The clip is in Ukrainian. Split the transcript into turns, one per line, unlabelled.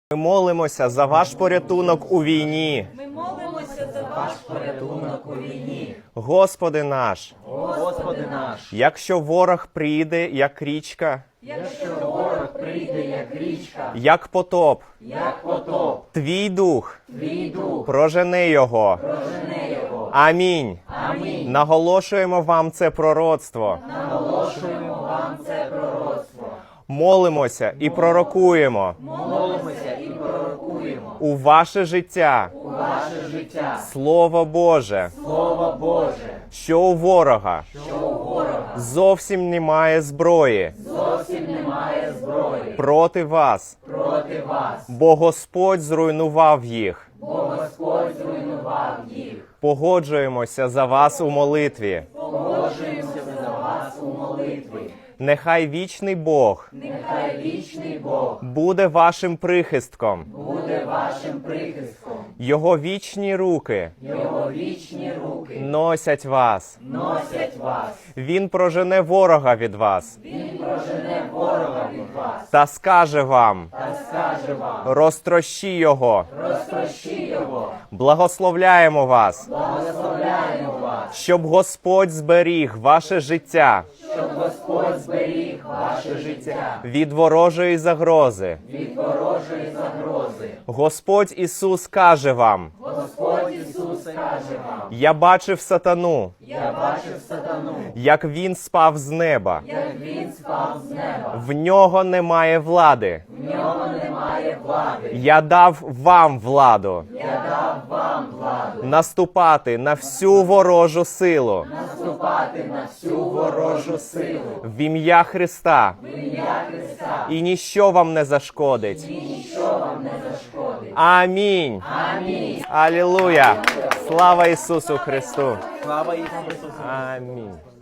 Ми молимося за ваш порятунок у війні.
Ми молимося за ваш порятунок у війні.
Господи наш,
Господи наш,
якщо ворог прийде, як річка,
якщо ворог прийде, як річка,
як потоп,
Твій
Твій
дух
прожени його.
прожене його.
Амінь.
Амінь.
Наголошуємо вам це пророцтво.
Наголошуємо вам це пророцтво.
Молимося і пророкуємо
Молимося і пророкуємо
у ваше життя
у ваше життя
Слово Боже,
Слово Боже,
що у ворога
що у ворога
зовсім немає зброї
зовсім немає зброї
проти вас,
проти вас,
бо Господь зруйнував їх.
бо Господь зруйнував їх.
Погоджуємося за вас у молитві.
Погоджуємося за вас у молитві.
Нехай вічний Бог
Нехай вічний Бог
буде вашим прихистком.
буде вашим прихистком.
Його вічні руки
Його вічні руки
носять вас.
носять вас.
Він прожене ворога від вас
Він прожене ворога від вас
та скаже вам:
та скаже вам:
розтрощи його.
розтрощи його.
Благословляємо вас,
Благословляємо вас,
щоб Господь зберіг ваше життя
щоб Господь зберіг ваше життя
від ворожої загрози.
від ворожої загрози.
Господь Ісус каже вам:
Господь Ісус каже вам:
я бачив сатану,
я бачив сатану,
як він спав з неба.
як він спав з неба.
В нього немає влади.
В нього немає влади.
Я дав вам владу
Я дав вам владу
наступати на всю ворожу силу
наступати на всю ворожу силу.
в ім'я Христа,
В ім'я Христа.
і ніщо вам не зашкодить.
І ніщо вам не зашкодить.
Амінь.
Амінь.
Алілуя. Слава Ісусу Христу.
Слава Ісусу Христу!
Амінь.